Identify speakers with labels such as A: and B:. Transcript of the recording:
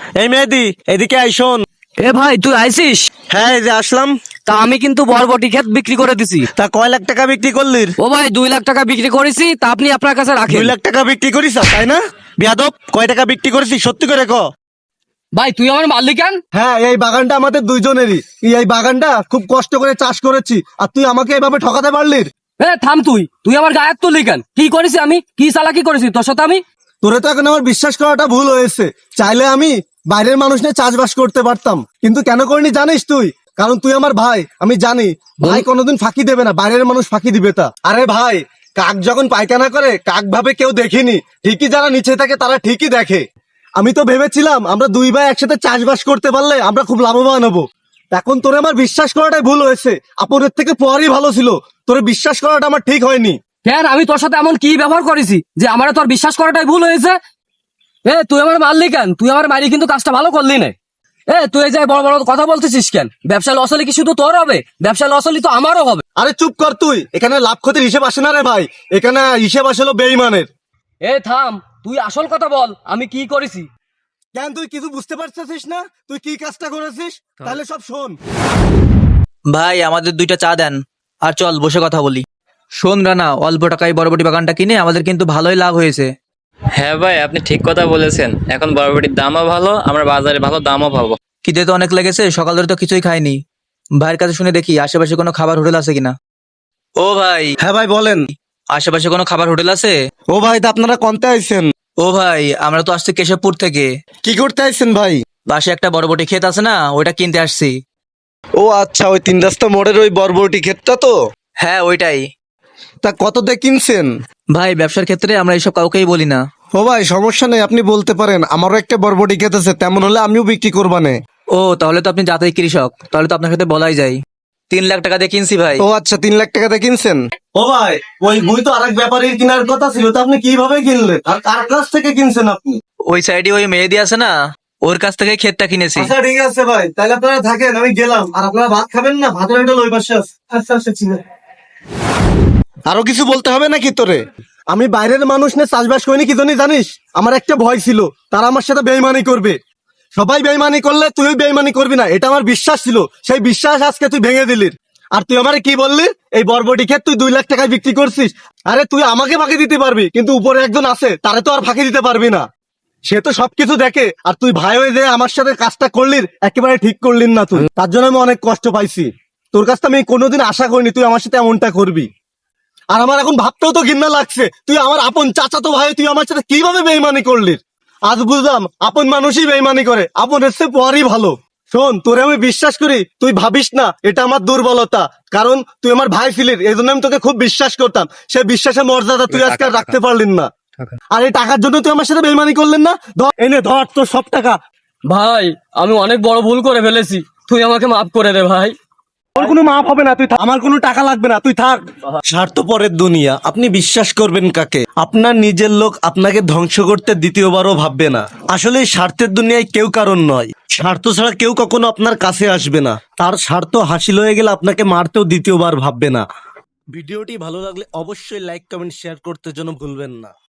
A: এই মেহেদি, এদিকে আই শোন।
B: এ ভাই তুই আইছিস?
A: হ্যাঁ, এই যে আসলাম।
B: তা আমি কিন্তু বরবটি ক্ষেত বিক্রি করে দিছি।
A: তা কয় লাখ টাকা বিক্রি করলি?
B: ও ভাই 2 লাখ টাকা বিক্রি করেছি, তা আপনি আপনার কাছে
A: 2
B: রাখেন।
A: লাখ টাকা বিক্রি করিস তাই না? বিয়াদব, কয় টাকা বিক্রি করেছিস সত্যি করে ক।
B: ভাই তুই আমার মারলি কেন?
A: হ্যাঁ, এই বাগানটা আমাদের দুইজনেরই। এই বাগানটা খুব কষ্ট করে চাষ করেছি, আর তুই আমাকে এভাবে ঠকাতে পারলি?
B: এ থাম, তুই তুই আমার গায়ে হাত তুললি কেন? কি করেছি আমি? কি চালাকি করেছি তোর সাথে আমি?
A: তোরে তো এখন আমার বিশ্বাস করাটা ভুল হয়েছে। চাইলে আমি বাইরের মানুষ নিয়ে চাষবাস করতে পারতাম, কিন্তু কেন করিনি জানিস তুই? কারণ তুই আমার ভাই, আমি জানি ভাই কোনোদিন ফাঁকি দেবে না, বাইরের মানুষ ফাঁকি দিবে তা। আরে ভাই, কাক যখন পায়খানা করে কাক ভাবে কেউ দেখিনি, ঠিকই যারা নিচে থাকে তারা ঠিকই দেখে। আমি তো ভেবেছিলাম আমরা দুই ভাই একসাথে চাষবাস করতে পারলে আমরা খুব লাভবান হবো। এখন তোরে আমার বিশ্বাস করাটাই ভুল হয়েছে। আপনের থেকে পরই ভালো ছিল, তোরে বিশ্বাস করাটা আমার ঠিক হয়নি।
B: কেন আমি তোর সাথে এমন কি ব্যবহার করেছি যে আমার তোর বিশ্বাস করাটাই ভুল হয়েছে? এ তুই আমার মারলি কেন? তুই আমার মারি কিন্তু কাজটা ভালো করলি না। এ তুই এই যে বড় বড় কথা বলতেছিস কেন? ব্যবসা লস হলে কি শুধু তোর হবে? ব্যবসা লস হলে তো আমারও হবে।
A: আরে চুপ কর তুই, এখানে লাভ ক্ষতির হিসেব আসে না রে ভাই, এখানে হিসেব আসলে বেইমানের।
B: এ থাম, তুই আসল কথা বল, আমি কি করেছি?
A: কেন তুই কিছু বুঝতে পারছিস না? তুই কি কাজটা করেছিস? তাহলে সব শোন।
C: ভাই আমাদের 2টা চা দেন, আর চল বসে কথা বলি। শোন রানা, অল্প টাকায় বরবটি বাগানটা কিনে আমাদের কিন্তু ভালোই লাভ হয়েছে।
D: হ্যাঁ ভাই, আপনি ঠিক কথা বলেছেন। এখন বরবটির দামও ভালো, আমরা বাজারে ভালো দামও পাবো।
C: খিদে তো অনেক লেগেছে, সকাল ধরে তো কিছুই খাইনি। ভাইয়ের কাছে শুনে দেখি আশেপাশে কোনো খাবার হোটেল আছে কিনা। ও ভাই,
A: হ্যাঁ ভাই বলেন।
C: আশেপাশে কোনো খাবার হোটেল আছে?
A: ও ভাই, তা আপনারা কোনতে আইছেন?
C: ও ভাই, আমরা তো আসছি কেশবপুর থেকে।
A: কি করতে আইছেন ভাই?
C: পাশে একটা বরবটি ক্ষেত আছে না, ওইটা কিনতে আসছি।
A: ও আচ্ছা, ওই 3 রাস্তা মোড়ের ওই বরবটি ক্ষেতটা তো?
C: হ্যাঁ ওইটাই।
A: তা কততে কিনছেন?
C: ভাই ব্যবসার ক্ষেত্রে আমরা এইসব কাউকেই বলি না।
A: ও ভাই সমস্যা নেই, আপনি বলতে পারেন। আমারও একটা বরবটি ক্ষেত আছে, তেমন হলে আমিও বিক্রি করবানে।
C: ও তাহলে তো আপনি জাতীয় কৃষক, তাহলে তো আপনার সাথে বলাই যায়। 3 লাখ টাকা দিয়ে কিনছি ভাই।
A: ও আচ্ছা, 3 লাখ টাকাতে কিনছেন? ও ভাই, ওই বই তো আরেক ব্যাপারীর কেনার কথা ছিল, তো আপনি কিভাবে কিনলেন আর কার কাছ থেকে কিনছেন আপনি?
C: ওই সাইডে ওই মেহেদি আছে না, ওর কাছ থেকে ক্ষেতটা কিনেছি।
A: আচ্ছা ঠিক আছে ভাই, তাহলে আপনারা থাকেন, আমি গেলাম। আর আপনারা ভাত খাবেন না? ভাতের হোটেল ওই পাশে আছে। আচ্ছা আচ্ছা ঠিক আছে। আরো কিছু বলতে হবে নাকি তোরে? আমি বাইরের মানুষ নিয়ে চাষবাস করিনি, কি জানিস? আমার একটা ভয় ছিল তারা আমার সাথে বেইমানি করবে। সবাই বেইমানি করলে তুই বেইমানি করবি না, এটা আমার বিশ্বাস ছিল। সেই বিশ্বাস আজকে তুই ভেঙে দিলি। আর তুই আমারে কি বললি? এই বরবটি ক্ষেত তুই 2 লাখ টাকায় বিক্রি করছিস। আরে তুই আমাকে ফাঁকি দিতে পারবি, কিন্তু উপরে একজন আছে, তারে তো আর ফাঁকি দিতে পারবি না। সে তো সবকিছু দেখে। আর তুই ভাই হয়ে যে আমার সাথে কাজটা করলি, একেবারে ঠিক করলি না তুই। তার জন্য আমি অনেক কষ্ট পাইছি। তোর কাছ থেকে আমি কোনোদিন আশা করিনি তুই আমার সাথে এমনটা করবি। আর আমার এখন ভাবতেও তো ঘৃণা লাগছে, তুই আমার আপন চাচাতো ভাই, তুই আমার সাথে কিভাবে বেইমানি করলি। আজ বুঝলাম আপন মানুষই বেইমানি করে, আপন এসে পরই ভালো। শোন, তোরে আমি বিশ্বাস করি, তুই ভাবিস না এটা আমার দুর্বলতা। কারণ তুই আমার ভাই ছিলি, এই জন্য আমি তোকে খুব বিশ্বাস করতাম। সে বিশ্বাসের মর্যাদা তুই আজকে আর রাখতে পারলি না। আর এই টাকার জন্য তুই আমার সাথে বেইমানি করলেন না? ধর এনে ধর তোর সব টাকা।
B: ভাই আমি অনেক বড় ভুল করে ফেলেছি, তুই আমাকে মাফ করে দে ভাই।
A: তোর কোনো মাপ হবে না, তুই থাক। আমার কোনো টাকা লাগবে না, তুই থাক। স্বার্থপরের দুনিয়া, আপনি বিশ্বাস করবেন কাকে? আপনার নিজের লোক আপনাকে ধ্বংস করতে দ্বিতীয়বারও ভাববে না। আসলে এই স্বার্থের দুনিয়ায় কেউ কারণ নয়। স্বার্থ ছাড়া কেউ কখনো আপনার কাছে আসবে না। তার স্বার্থ হাসিল হয়ে গেলে আপনাকে মারতেও দ্বিতীয়বার ভাববে না। ভিডিওটি ভালো লাগলে অবশ্যই লাইক কমেন্ট শেয়ার করতে যেন ভুলবেন না।